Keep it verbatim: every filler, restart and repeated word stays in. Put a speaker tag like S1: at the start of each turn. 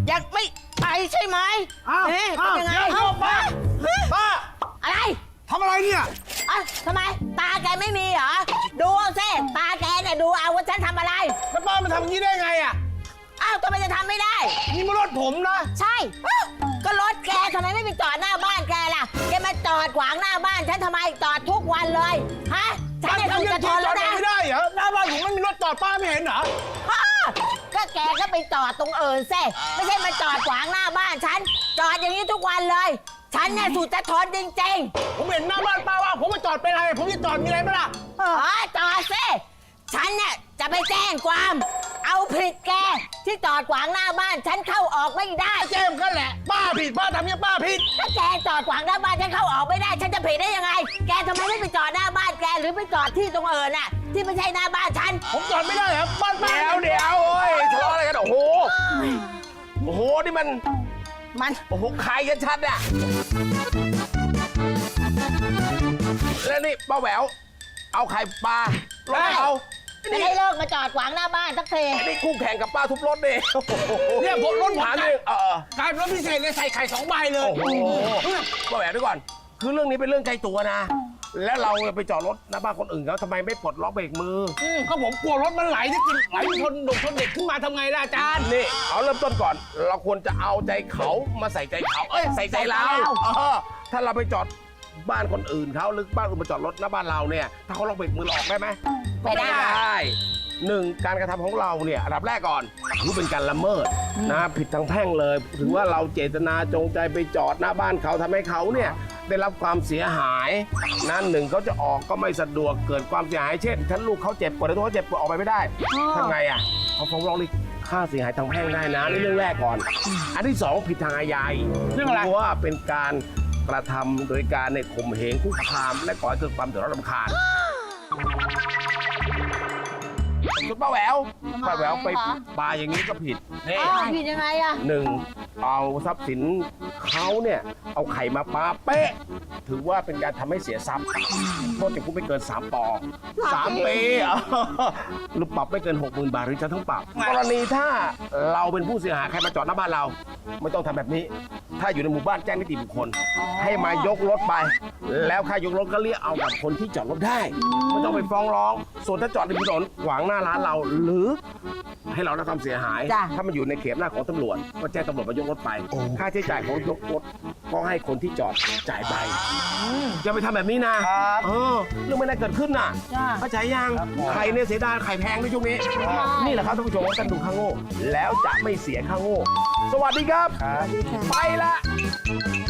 S1: ยังไม่ไปใช่ไหม
S2: อ้าว
S1: เอ๊ะ
S2: อ้าว
S1: เป็นยังไง
S2: เดี๋ยวป้าป้า
S1: อะไร
S2: ทำอะไรเนี่ย
S1: อ่ะทำไมตาแกไม่มีเหรอดูเอาสิตาแกเนี่ยดูเอาว่าฉันทำอะไร
S2: แล้วป้ามาทำอย่างนี้ได้ไงอ่ะ
S1: อ้าวทำไมจะทำไม่ได้
S2: นี่มันรถผมนะ
S1: ใช่อ้าวก็รถแกทำไมไม่ไปจอดหน้าบ้านแกล่ะแกมาจอดขวางหน้าบ้านฉันทำไมจอดทุกวันเลยฮะฉันเนี่ยถูกจะทนแล้วนะ
S2: ไม่ได้เหรอหน้าบ้านผมไม่มีรถจอดป้าไม่เห็นเหรอ
S1: อ้าวก็แกก็ไปจอดตรงอื่นสิไม่ใช่มาจอดขวางหน้าบ้านฉันจอดอย่างนี้ทุกวันเลย ฉันเนี่ยสุดจะทนจริงๆ
S2: ผมเห็นหน้าบ้านป้าว่าผมมาจอดเป็นอะไรผมจะจอดมีอะไรไหมล่ะ
S1: อ๋อจอดสิฉันเนี่ยจะไปแจ้งความ เอาผิดแกที่จอดขวางหน้าบ้านฉันเข้าออกไม่ได้
S2: เจมส์กันแหละป้าผิดป้าทำเนี่ยป้าผิด
S1: ถ้าแกจอดขวางหน้าบ้านฉันเข้าออกไม่ได้ ฉันจะผิดได้ยังไง แกทำไมไม่ไปจอดหน้าบ้านแกหรือไปจอดที่ตรงเอิญน่ะที่ไม่ใช่หน้าบ้านฉัน
S2: ผมจอดไม่ได้เหรอบ้านป้า
S3: เดี๋ยวเดี๋ยวโอ้ยทะเลาะอะไรกันโอ้โหโอ้โหนี่มัน
S1: มัน
S3: โอ้โหใครกันชัดอะแล้วนี่ป้าแหววเอาไข่ปลารถเอา
S1: จะได้เลิกมาจอดขวางหน้าบ้านสักที
S3: นี่คู่แข่งกับป้าทุบรถดิ
S2: เนี่ยผมรถผม
S3: ถาม
S2: กลา
S3: นึ
S2: ย
S3: งเออ
S2: กลายเป็นรถพิเศษเลยใส่ไข่สองใบเลย
S3: โอ้โหป้าแหววด้วยก่อน คือเรื่องนี้เป็นเรื่องไกลตัวนะ แล้วเราไปจอดรถหน้าบ้านคนอื่นเขาทำไมไม่ปลดล็อกเบรกมือ
S2: ก็ผมกลัวรถมันไหลจะกินไหลชนดกชนเด็กขึ้นมาทำไงล่ะอาจารย์
S3: นี่เอาเริ่มต้นก่อน เราควรจะเอาใจเขามาใส่ใจเขาเอ้ยใส่ใจเราเออถ้าเราไปจอดบ้านคนอื่นเขาหรือบ้านอื่นมาจอดรถหน้าบ้านเราเนี่ยถ้าเขาล็อกเบรกมือเราออกได้ไหม
S1: ไม่ได้
S3: หนึ่งการกระทำของเราเนี่ยอันดับแรกก่อนถือเป็นการละเมิดนะผิดทางแพ่งเลยถือว่าเราเจตนาจงใจไปจอดหน้าบ้านเขาทำให้เขาเนี่ยได้รับความเสียหายนั้นหนึ่งเขาจะออกก็ไม่สะดวกเกิดความเสียหายเช่นถ้าลูกเขาเจ็บปวดหรือตัวเขาเจ็บปวดออกไปไม่ได้ทำไงอ่ะเขาฟ้องร้องเรียกค่าเสียหายทางแพ่งได้นะนี่เรื่องแรกก่อน อันที่สองผิดทางอาญา
S2: เรื่องอะไร
S3: เพราะว่าเป็นการกระทำโดยการในข่มเหงคุกคามและก่อให้เกิดความเดือดร้อนรำคาญคุณป้าแหววป้าแหววไปปาอย่างนี้ก็ผิดนี่
S1: อ้าวผิดยังไงอะ
S3: หนึ่งเอาทรัพย์สินเขาเนี่ยเอาไข่มาปาเป๊ะถือว่าเป็นการทำให้เสียทรัพย์โทษจำคุกไม่เกินสามปอสามปีหรือปรับไม่เกินหกหมื่นบาทหรือจะทั้งปรับกรณีถ้าเราเป็นผู้เสียหายใครมาจอดหน้าบ้านเราไม่ต้องทำแบบนี้ ถ้าอยู่ในหมู่บ้านแจ้งนิติบุคคล ให้มายกรถไป แล้วค่ายกรถก็เรียกเอากับคนที่จอดรถได้ไม่ต้องไปฟ้องร้อง ส่วนถ้าจอดริมถนนขวางหน้าร้านเราหรือให้เราได้ความเสียหาย ถ้ามันอยู่ในเขตหน้าของตำรวจก็แจ้งตำรวจมายกรถไป ค่าใช้จ่ายของยกรถก็ให้คนที่จอดจ่ายไปจะไปทำแบบนี้นะเออเรื่องไม่ได้เกิดขึ้นน่ะเข้าใจยังไข่เนี่ยเสียดายไข่แพงในช่วงนี้ นี่แหละครับท่านผู้ชมว่าท่านดูข้างโง่แล้วจะไม่เสียข้างโง่ สวัสดีครับ ไปละ